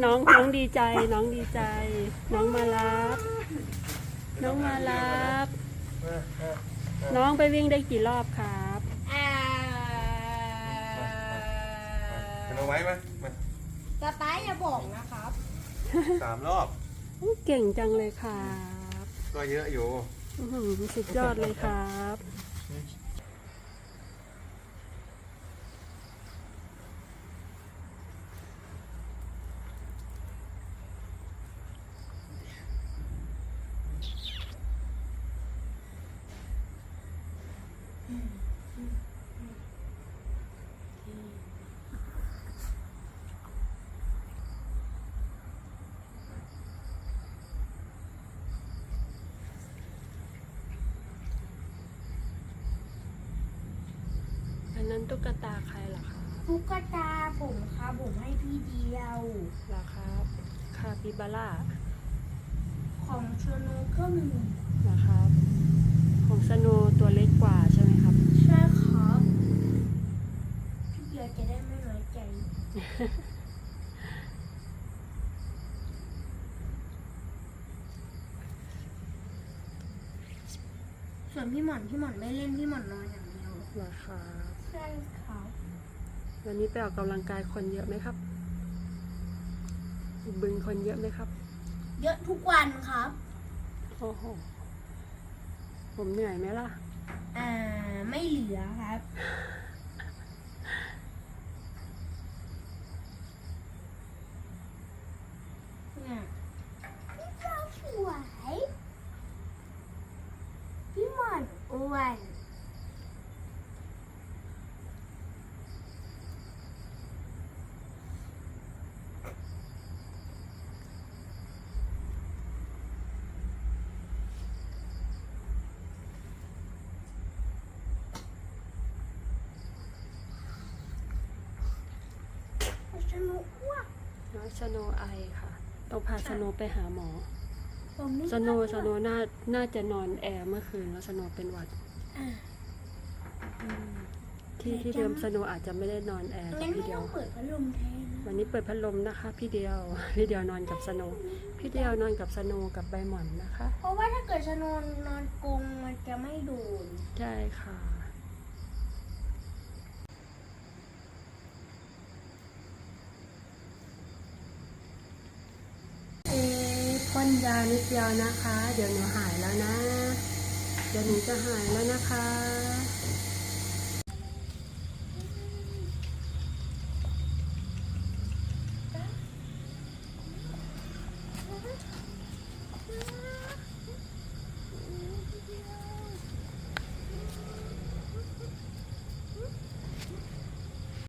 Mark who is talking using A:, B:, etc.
A: น้องดีใจน้องดีใจน้องมารับน้องมารับน้องไปวิ่งได้กี่รอบครับ
B: เอาไว้ไหมมา
C: สไตล์อย่าบอกนะครับ
B: 3 รอบ
A: เก่งจังเลยครับ
B: ก็เยอะอยู่
A: สุดยอดเลยครับ อันนั้นตุ๊กตาใครเหรอคะ
C: ตุ๊กตาผมครับผมให้พี่เดียว
A: เหรอครับคาปิบาร่า
C: ของชโนก็มี
A: เหรอครับของสโนว์ตัวเล็กกว่าใช่ไหมครับ
C: ใช่ครับพี่เดียวจะได้ไม่น้อยใจ ส่วนพี่หม่อนไม่เล่นพี่หม่อนนอนอย่างเดียว
A: เหรอครับ
C: ใช่ครับ
A: วันนี้ไปออกกำลังกายคนเยอะไหมครับบึงคนเยอะไหมครับ
C: เยอะทุกวันครับ
A: โอ้โหผมเหนื่อยไหมล่ะ
C: ไม่เหลือครับเนี่ยพี่เจ้าสวยพี่หม่อนอ้วนสนุกว่ะ
A: น้องสโนว์ไอค่ะ ต้องพาสโนว์ไปหาหมอ
C: ผมไม่
A: สโนว์น่าจะนอนแอร์เมื่อคืนแล้วสโนว์เป็นหวัด
C: อ่ะ
A: ที่เดิมสโนว์อาจจะไม่ได้นอนแอร์กับ
C: งั้น
A: พี่
C: ไม่
A: เดีย
C: ต้
A: ว
C: องเปิดพัดลมแทนนะ
A: วันนี้เปิดพัดลมนะคะ พี่เดียว พี่เดียวนอนกับสโนว์พี่เดียวนอนกับสโนว์กับใบหม่อนนะคะ
C: เพราะว่าถ้าเกิดชนนนอนกรงมันจะไม่โดน
A: ใช่ค่ะพ่นยานิดเดียวนะคะ เดี๋ยวหนูหายแล้วนะ เดี๋ยวหนูจะหายแล้วนะคะ